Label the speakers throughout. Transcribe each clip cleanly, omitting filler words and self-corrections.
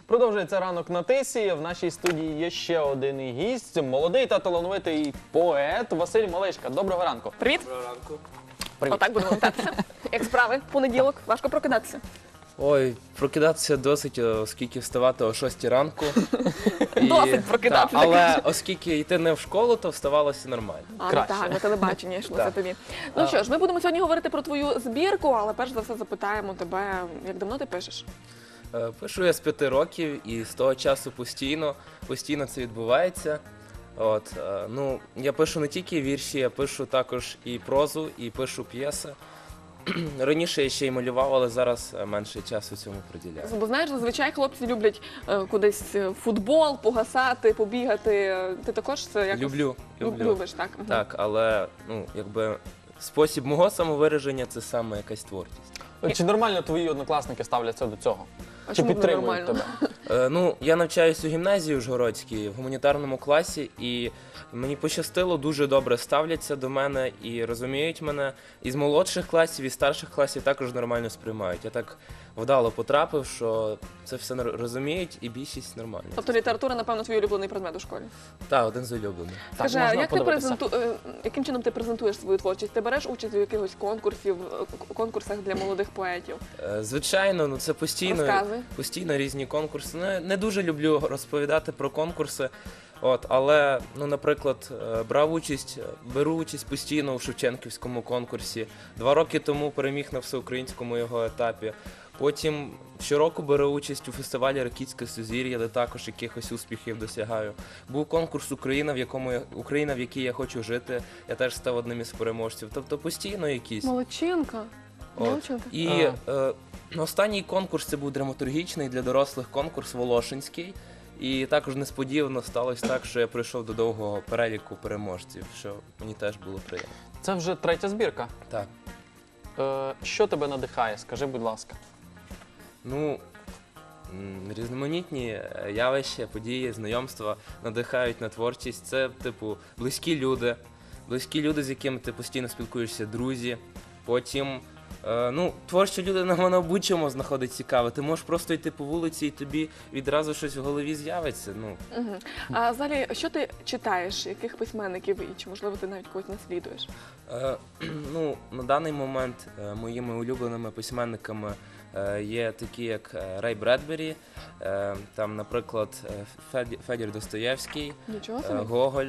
Speaker 1: Продовжується ранок на Тисі. В нашій студії є ще один гість, молодий та талановитий поет Василь Малишка. Доброго ранку.
Speaker 2: Привіт.
Speaker 3: Доброго ранку.
Speaker 1: Привіт.
Speaker 2: Отак будемо вітатися. Як справи? Понеділок. Важко прокидатися.
Speaker 3: Ой, прокидатися досить, оскільки вставати о 6 ранку.
Speaker 2: Досить прокидатися,
Speaker 3: Але
Speaker 2: так.
Speaker 3: оскільки йти не в школу, то вставалося нормально.
Speaker 2: А, ну
Speaker 1: Краще.
Speaker 2: так, на телебачення йшлося
Speaker 3: Так.
Speaker 2: тобі. Ну що ж, ми будемо сьогодні говорити про твою збірку, але перш за все запитаємо тебе, як давно ти пишеш?
Speaker 3: Пишу я з 5 років і з того часу постійно це відбувається. Ну, я пишу не тільки вірші, я пишу також і прозу, і пишу п'єси. Раніше я ще й малював, але зараз менше часу цьому приділяю.
Speaker 2: Бо знаєш, зазвичай хлопці люблять кудись в футбол, погасати, побігати. Ти також це якось
Speaker 3: Люблю.
Speaker 2: любиш, так? Мгм.
Speaker 3: Так, але спосіб мого самовираження це саме якась творчість.
Speaker 1: Чи нормально твої однокласники ставляться до цього?
Speaker 2: А
Speaker 1: Чи
Speaker 2: чому б не
Speaker 1: підтримують
Speaker 2: нормально?
Speaker 1: тебе?
Speaker 3: Я навчаюсь у гімназії Ужгородській в гуманітарному класі, і мені пощастило, дуже добре ставляться до мене і розуміють мене. Із молодших класів, і старших класів також нормально сприймають. Я так вдало потрапив, що це все розуміють, і більшість нормально.
Speaker 2: Тобто література, напевно, твій улюблений предмет у школі.
Speaker 3: Так, один з улюблених.
Speaker 1: Так,
Speaker 2: Скажи, а
Speaker 1: можна
Speaker 2: як ти
Speaker 1: подивитися?
Speaker 2: яким чином ти презентуєш свою творчість? Ти береш участь у якихось конкурсах для молодих поетів?
Speaker 3: Звичайно, це
Speaker 2: Розказуй.
Speaker 3: постійно різні конкурси. Не дуже люблю розповідати про конкурси. Але, наприклад, беру участь постійно у Шевченківському конкурсі. 2 роки тому переміг на всеукраїнському його етапі. Потім щороку беру участь у фестивалі «Ракітське сузір'я», де також якихось успіхів досягаю. Був конкурс «Україна, в якій я хочу жити». Я теж став одним із переможців. Тобто постійно якісь.
Speaker 2: Молодчинка. Молодчинка.
Speaker 3: І останній конкурс це був драматургічний для дорослих конкурс Волошинський. І також несподівано сталося так, що я прийшов до довгого переліку переможців, що мені теж було приємно.
Speaker 1: Це вже третя збірка.
Speaker 3: Так.
Speaker 1: Що тебе надихає? Скажи, будь ласка.
Speaker 3: Різноманітні явища, події, знайомства надихають на творчість. Це, близькі люди, з якими ти постійно спілкуєшся, друзі. Потім, творча людина, вона в будь-чому знаходить цікаве. Ти можеш просто йти по вулиці і тобі відразу щось в голові з'явиться.
Speaker 2: Мгм. А взагалі, що ти читаєш? Яких письменників і чи, можливо, ти навіть когось наслідуєш?
Speaker 3: На даний момент моїми улюбленими письменниками є такі, як Рей Бредбері, там, наприклад, Федір Достоєвський,
Speaker 2: Нічого собі.
Speaker 3: Гоголь.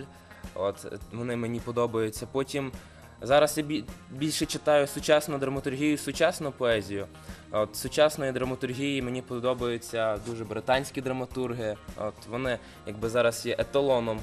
Speaker 3: Вони мені подобаються. Потім зараз я більше читаю сучасну драматургію, сучасну поезію. З сучасної драматургії мені подобаються дуже британські драматурги. Вони зараз є еталоном.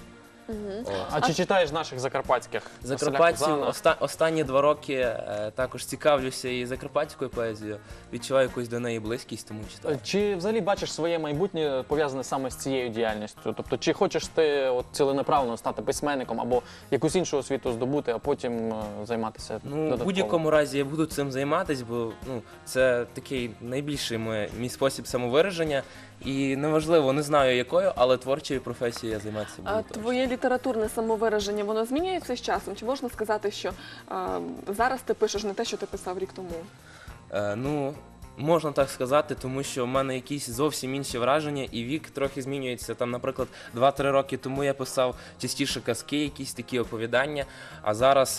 Speaker 1: А чи читаєш наших закарпатських?
Speaker 3: Закарпатців
Speaker 1: Василя Кузана?
Speaker 3: останні 2 роки також цікавлюся і закарпатською поезією. Відчуваю якусь до неї близькість, тому читаю.
Speaker 1: Чи взагалі бачиш своє майбутнє пов'язане саме з цією діяльністю? Тобто, чи хочеш ти ціленаправно стати письменником або якусь іншу освіту здобути, а потім займатися
Speaker 3: В
Speaker 1: додатково?
Speaker 3: будь-якому разі я буду цим займатися, бо це такий найбільший мій спосіб самовираження. І неважливо, не знаю якою, але творчою професією я займатися буду
Speaker 2: А
Speaker 3: точно.
Speaker 2: твоє літературне самовираження, воно змінюється з часом? Чи можна сказати, що зараз ти пишеш не те, що ти писав рік тому?
Speaker 3: Можна так сказати, тому що в мене якісь зовсім інші враження, і вік трохи змінюється. Там, наприклад, 2-3 роки тому я писав частіше казки, якісь такі оповідання, а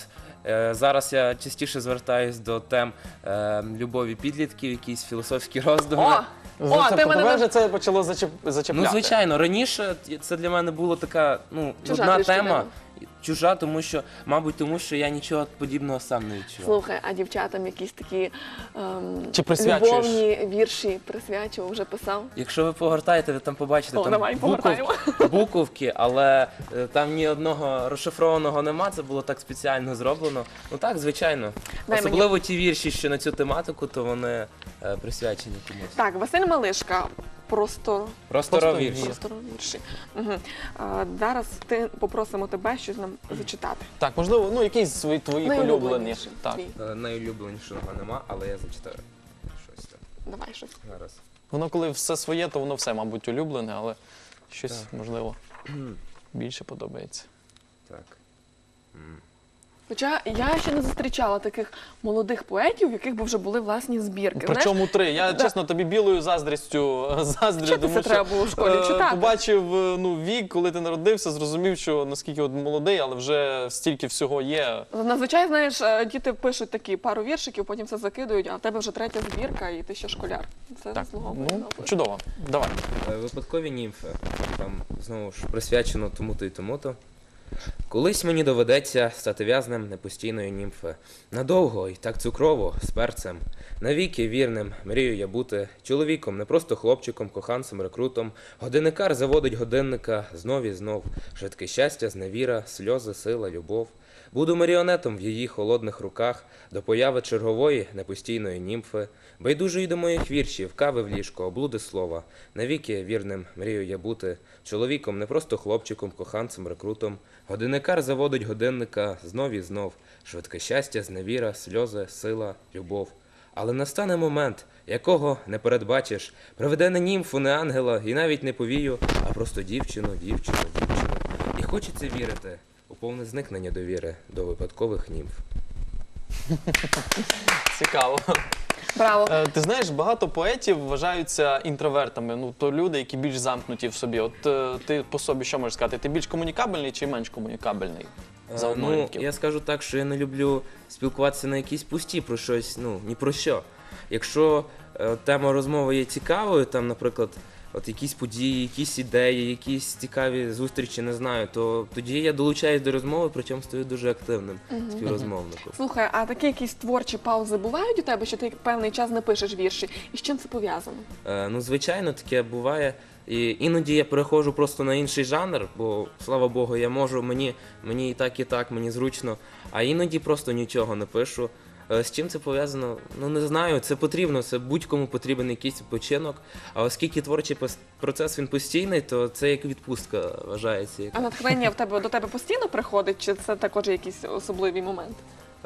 Speaker 3: зараз я частіше звертаюсь до тем любові підлітків, якісь філософські роздуми.
Speaker 2: Ти
Speaker 1: Тебе
Speaker 2: мене
Speaker 1: вже це почало зачепляти?
Speaker 3: Звичайно, раніше це для мене була така
Speaker 2: Чужа
Speaker 3: нудна
Speaker 2: трішки
Speaker 3: тема.
Speaker 2: тема.
Speaker 3: Чужа, тому що я нічого подібного сам не відчував.
Speaker 2: Слухай, а дівчатам якісь такі
Speaker 1: Чи присвячуєш?
Speaker 2: любовні вірші присвячував, вже писав?
Speaker 3: Якщо ви погортаєте, ви там побачите
Speaker 2: Давай, погортаємо.
Speaker 3: буковки, але там ні одного розшифрованого нема, це було так спеціально зроблено. Так, звичайно.
Speaker 2: Дай
Speaker 3: Особливо ті вірші, що на цю тематику, то вони присвячені комусь.
Speaker 2: Так, Василь Малишка.
Speaker 3: Просторові вірші.
Speaker 2: Вірші. Угу. Зараз попросимо тебе щось нам зачитати.
Speaker 1: Так, можливо, якісь твої улюблені.
Speaker 2: Найулюбленіший
Speaker 1: Так.
Speaker 2: твій.
Speaker 3: Найулюбленішого нема, але я зачитаю щось там.
Speaker 2: Давай щось.
Speaker 3: Зараз.
Speaker 1: Воно коли все своє, то воно все, мабуть, улюблене, але щось, можливо, більше подобається.
Speaker 3: Так.
Speaker 2: Хоча я ще не зустрічала таких молодих поетів, в яких би вже були власні збірки.
Speaker 1: Причому 3. Я, чесно, тобі білою заздрістю заздрю,
Speaker 2: Вчитися
Speaker 1: тому що
Speaker 2: треба було в школі, читати.
Speaker 1: побачив вік, коли ти народився, зрозумів, що наскільки от молодий, але вже стільки всього є.
Speaker 2: Зазвичай, знаєш, діти пишуть такі пару віршиків, потім все закидують, а в тебе вже 3-я збірка, і ти ще школяр. Це
Speaker 1: Так,
Speaker 2: заслуговує на оплески.
Speaker 1: чудово. Давай.
Speaker 3: Випадкові німфи. Там знову ж присвячено тому-то і тому-то. Колись мені доведеться стати в'язнем непостійної німфи. Надовго і так цукрово, з перцем. Навіки вірним мрію я бути чоловіком, не просто хлопчиком, коханцем, рекрутом. Годинникар заводить годинника знов і знов. Швидке щастя, зневіра, сльози, сила, любов. Буду маріонетом в її холодних руках до появи чергової непостійної німфи. Байдужої до моїх віршів, кави в ліжко, облуди слова. Навіки вірним мрію я бути чоловіком, не просто хлопчиком, коханцем, рекрутом. Годинникар заводить годинника знов і знов. Швидке щастя, зневіра, сльози, сила, любов. Але настане момент, якого не передбачиш. Приведе не німфу, не ангела, і навіть не повію, а просто дівчину, дівчину, дівчину. І хочеться вірити у повне зникнення довіри до випадкових німф.
Speaker 1: Цікаво.
Speaker 2: Браво.
Speaker 1: Ти знаєш, багато поетів вважаються інтровертами, ну то люди, які більш замкнуті в собі. От ти по собі що можеш сказати? Ти більш комунікабельний чи менш комунікабельний? За
Speaker 3: Ну,
Speaker 1: однолітків?
Speaker 3: я скажу так, що я не люблю спілкуватися на якісь пусті про щось, ну, ні про що. Якщо тема розмови є цікавою, там, наприклад, от якісь події, якісь ідеї, якісь цікаві зустрічі, не знаю, то тоді я долучаюсь до розмови, причому стаю дуже активним співрозмовником.
Speaker 2: Слухай, а такі якісь творчі паузи бувають у тебе, що ти певний час не пишеш вірші? І з чим це пов'язано?
Speaker 3: Ну, звичайно, таке буває. І іноді я переходжу просто на інший жанр, бо, слава Богу, я можу, мені і так, мені зручно, а іноді просто нічого не пишу. З чим це пов'язано? Ну, не знаю, це потрібно, це будь-кому потрібен якийсь відпочинок, а оскільки творчий процес, він постійний, то це як відпустка вважається.
Speaker 2: А натхнення до тебе постійно приходить, чи це також якийсь особливий момент?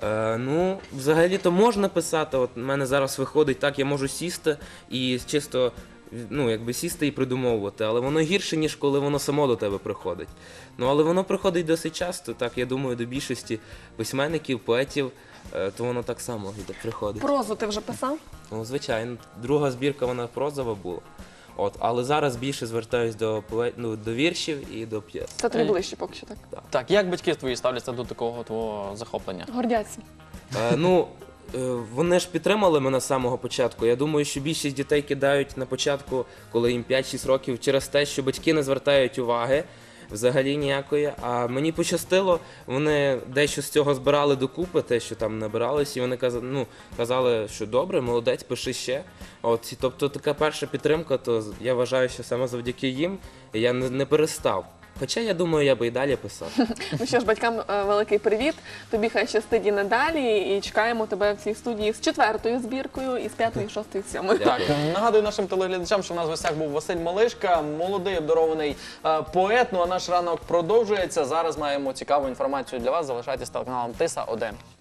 Speaker 3: Ну, взагалі-то можна писати, от в мене зараз виходить так, я можу сісти і чисто, ну, якби сісти і придумовувати, але воно гірше, ніж коли воно само до тебе приходить. Ну, але воно приходить досить часто, так, я думаю, до більшості письменників, поетів, то воно так само приходить.
Speaker 2: Прозу ти вже писав?
Speaker 3: Ну, звичайно, друга збірка, вона прозова була. От, але зараз більше звертаюсь до віршів і до п'єс.
Speaker 2: Це тобі ближче поки що, так?
Speaker 1: Так, як батьки твої ставляться до такого твого захоплення?
Speaker 2: Гордяться.
Speaker 3: Ну, вони ж підтримали мене з самого початку. Я думаю, що більшість дітей кидають на початку, коли їм 5-6 років, через те, що батьки не звертають уваги взагалі ніякої. А мені пощастило, вони дещо з цього збирали докупи, те, що там набиралось, і вони казали, що добре, молодець, пиши ще. От, і, тобто така перша підтримка, то я вважаю, що саме завдяки їм я не перестав. Хоча, я думаю, я би і далі писав.
Speaker 2: Ну що ж, батькам великий привіт. Тобі хай щастить і надалі. І чекаємо тебе в цій студії з 4-ю збіркою, і з 5-ю, 6-ю, 7-ю.
Speaker 1: Так, нагадую нашим телеглядачам, що в нас в гостях був Василь Малишка, молодий обдарований поет. Ну а наш ранок продовжується. Зараз маємо цікаву інформацію для вас. Залишайтесь з телеканалом Тиса 1.